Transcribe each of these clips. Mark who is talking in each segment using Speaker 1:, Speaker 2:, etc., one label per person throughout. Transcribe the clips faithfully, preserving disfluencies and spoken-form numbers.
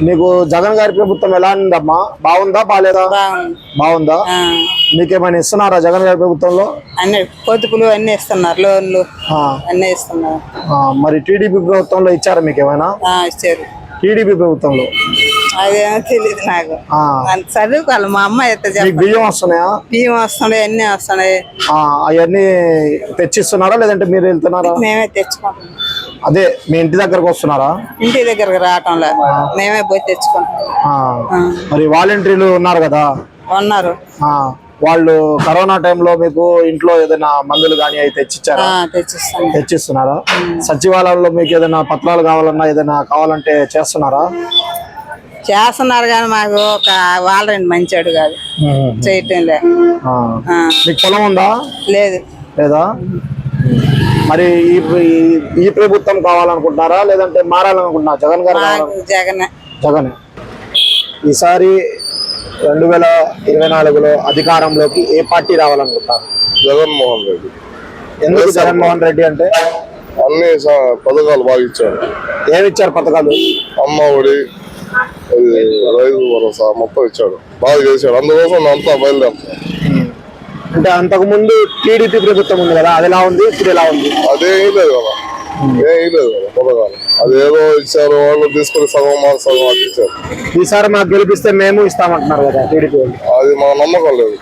Speaker 1: నీకు జగన్ గారి ప్రభుత్వం ఎలా ఉందమ్మా? బాగుందా బాగాలేదా? బాగుందా? మీకేమైనా ఇస్తున్నారా జగన్ గారి ప్రభుత్వంలో?
Speaker 2: అన్ని పొదుపులు అన్ని ఇస్తున్నారు, లోన్లు అన్ని ఇస్తున్నారు.
Speaker 1: మరి టీడీపీ ప్రభుత్వంలో ఇచ్చారా మీకేమైనా?
Speaker 2: ఇచ్చారు.
Speaker 1: టీడీపీ ప్రభుత్వంలో
Speaker 2: అదేమో తెలియదు నాకు, చదువుకోవాలి. మా అమ్మ అయితే
Speaker 1: బియ్యం వస్తున్నాయా?
Speaker 2: బియ్యం వస్తున్నాయి, అన్ని వస్తున్నాయి.
Speaker 1: అవన్నీ తెచ్చిస్తున్నారా లేదంటే మీరు వెళ్తున్నారా?
Speaker 2: మేమే తెచ్చుకుంటాం.
Speaker 1: అదే మీ ఇంటి దగ్గరకు వస్తున్నారా?
Speaker 2: ఇంటి దగ్గరకు రావటంలో మేమే పోయి తెచ్చుకుంటాం.
Speaker 1: మరి వాలంటీర్లు ఉన్నారు కదా,
Speaker 2: ఉన్నారు.
Speaker 1: వాళ్ళు కరోనా టైంలో మీకు ఇంట్లో ఏదైనా మందులు కానీ అవి తెచ్చిచ్చారా? తెచ్చిస్తున్నారా? సచివాలయంలో మీకు ఏదైనా పత్రాలు కావాలన్నా ఏదైనా కావాలంటే చేస్తున్నారా?
Speaker 2: చేస్తున్నారు కానీ మాకు ఒక వాలంటీర్ మంచాడు కాదు, చేయటం లేదు.
Speaker 1: మీకు పొలం ఉందా?
Speaker 2: లేదు.
Speaker 1: లేదా? మరి ఈ ఈ ప్రభుత్వం కావాలనుకుంటున్నారా లేదంటే మారాలనుకుంటున్నారా? జగన్ గారు?
Speaker 2: జగన్.
Speaker 1: జగన్. ఈసారి రెండు వేల ఇరవై నాలుగులో అధికారంలోకి ఏ పార్టీ రావాలనుకుంటారు?
Speaker 3: జగన్మోహన్ రెడ్డి.
Speaker 1: ఎందుకు జగన్మోహన్ రెడ్డి అంటే?
Speaker 3: అన్ని పథకాలు బాగా ఇచ్చారు.
Speaker 1: ఏమి ఇచ్చారు పథకాలు?
Speaker 3: అమ్మ ఒడి, రైతు భరోసా మొత్తం ఇచ్చాడు, బాగా చేశాడు. అందుకోసం అంతా బయలుదేరుతాం.
Speaker 1: అంటే అంతకు ముందు టీడీపీ ప్రభుత్వం ఉంది కదా, అది ఎలా ఉంది, ఇప్పుడు ఎలా ఉంది?
Speaker 3: అదే లేదు కదా, ఏం లేదు కదా పథకాలు. అదేదో ఇచ్చారు, వాళ్ళు తీసుకుని సగం మాకు సగం అది ఇచ్చారు.
Speaker 1: ఈసారి మాకు గెలిపిస్తే మేము ఇస్తామంటున్నారు కదా టీడీపీ.
Speaker 3: అది మా నమ్మకం లేదు.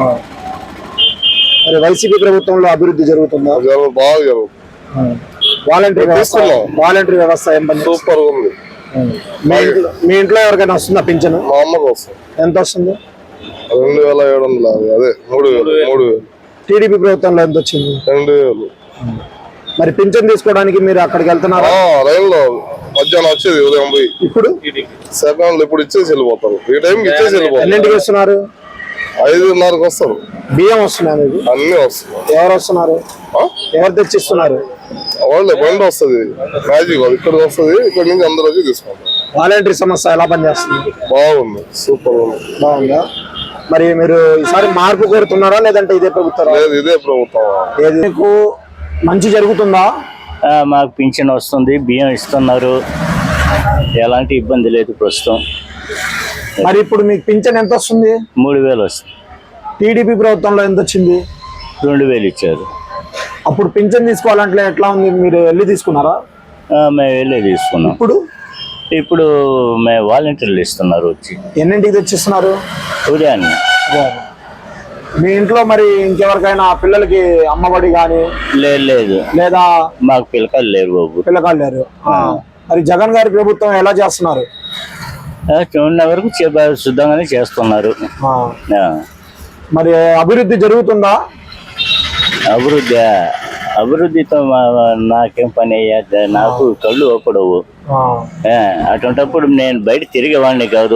Speaker 1: మరి వైసీపీ ప్రభుత్వంలో అభివృద్ధి జరుగుతుందా?
Speaker 3: బాగా జరుగుతుంది.
Speaker 1: వాలంటీర్ వాలంటీర్ వ్యవస్థ ఏం పని?
Speaker 3: సూపర్ ఉంది.
Speaker 1: మీ ఇంట్లో ఎవరికైనా వస్తుందా పింఛను?
Speaker 3: మా అమ్మకు వస్తుంది.
Speaker 1: ఎంత వస్తుంది?
Speaker 3: రెండు వేల ఏడు వందల అదే మూడు వేలు మూడు వేలు
Speaker 1: టీడీపీ ప్రభుత్వంలో ఎంత వచ్చింది?
Speaker 3: రెండు వేలు.
Speaker 1: మరి పింఛన్ తీసుకోవడానికి మీరు అక్కడికి వెళ్తున్నారా?
Speaker 3: లైన్ లో మధ్యాహ్నం వచ్చేది, ఉదయం పోయి. ఇప్పుడు సెకండ్ ఇప్పుడు ఇచ్చేసి వెళ్ళిపోతారు. ఈ టైంకి ఇచ్చేసి వెళ్ళిపోతారు.
Speaker 1: ఎన్నింటికి వస్తున్నారు?
Speaker 3: ఐదున్నరకు వస్తారు.
Speaker 1: బియ్యం వస్తున్నాయి మీకు?
Speaker 3: అన్ని వస్తున్నాయి.
Speaker 1: ఎవరు వస్తున్నారు? ఎవరు తెచ్చిస్తున్నారు?
Speaker 3: వాళ్ళే బండి వస్తుంది, మ్యాజిక్ ఇక్కడికి వస్తుంది, ఇక్కడ నుంచి అందరూ వచ్చి తీసుకుంటారు.
Speaker 1: వాలంటీర్ సమస్య ఎలా పనిచేస్తుంది?
Speaker 3: బాగుంది, సూపర్ ఉంది.
Speaker 1: బాగుందా? మరి మీరు ఈసారి మార్పు కోరుతున్నారా లేదంటే ఇదే ప్రభుత్వం?
Speaker 3: లేదు, ఇదే ప్రభుత్వం.
Speaker 1: ఏది మీకు మంచి జరుగుతుందా?
Speaker 4: మాకు పింఛన్ వస్తుంది, బియ్యం ఇస్తున్నారు, ఎలాంటి ఇబ్బంది లేదు ప్రస్తుతం.
Speaker 1: మరి ఇప్పుడు మీకు పింఛన్ ఎంత వస్తుంది?
Speaker 4: మూడు వేలు వస్తుంది.
Speaker 1: టీడీపీ ప్రభుత్వంలో ఎంత వచ్చింది?
Speaker 4: రెండు వేలు ఇచ్చారు.
Speaker 1: అప్పుడు పింఛన్ తీసుకోవాలంటే ఎట్లా ఉంది? మీరు వెళ్ళి తీసుకున్నారా?
Speaker 4: మేము వెళ్ళి తీసుకున్నాం.
Speaker 1: ఇప్పుడు
Speaker 4: ఇప్పుడు మేము వాలంటీర్లు ఇస్తున్నారు వచ్చి.
Speaker 1: ఎన్నింటికి తెచ్చిస్తున్నారు?
Speaker 4: ఉదయాన్నే.
Speaker 1: మీ ఇంట్లో మరి ఇంకెవరికైనా పిల్లలకి అమ్మఒడి కానీ?
Speaker 4: లేదు లేదు,
Speaker 1: లేదా
Speaker 4: మాకు పిల్లకాయలు లేరు బాబు.
Speaker 1: పిల్లకాయలు లేరు. మరి జగన్ గారి ప్రభుత్వం ఎలా చేస్తున్నారు?
Speaker 4: చూడిన వరకు శుద్ధంగానే చేస్తున్నారు.
Speaker 1: మరి అభివృద్ధి జరుగుతుందా?
Speaker 4: అభివృద్ధి అభివృద్ధితో నాకేం పని అయ్యా, నాకు కళ్ళు ఒప్పడవు. అటువంటిప్పుడు నేను బయట తిరిగేవాడిని కాదు.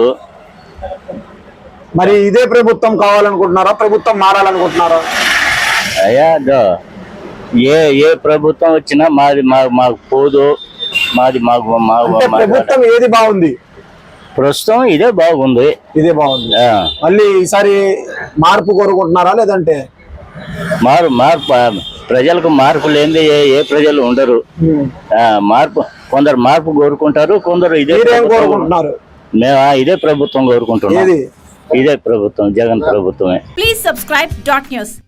Speaker 1: మరి ఇదే ప్రభుత్వం కావాలనుకుంటున్నారా, ప్రభుత్వం మారాలనుకుంటున్నారా?
Speaker 4: అయ్యా ఏ ఏ ప్రభుత్వం వచ్చినా మాది మాకు పోదు, మాది మాకు
Speaker 1: ప్రభుత్వం ఏది బాగుంది?
Speaker 4: ప్రస్తుతం ఇదే బాగుంది.
Speaker 1: ఇదే బాగుంది. మళ్ళీ ఈసారి మార్పు కోరుకుంటున్నారా లేదంటే?
Speaker 4: మారు మార్పు ప్రజలకు మార్పు లేనిది ఏ ప్రజలు ఉండరు. మార్పు కొందరు మార్పు కోరుకుంటారు, కొందరు ఇదే
Speaker 1: కోరుకుంటున్నారు.
Speaker 4: మేము ఇదే ప్రభుత్వం కోరుకుంటున్నాం. ఇదే ప్రభుత్వం, జగన్ ప్రభుత్వమే.
Speaker 5: Please subscribe dot news.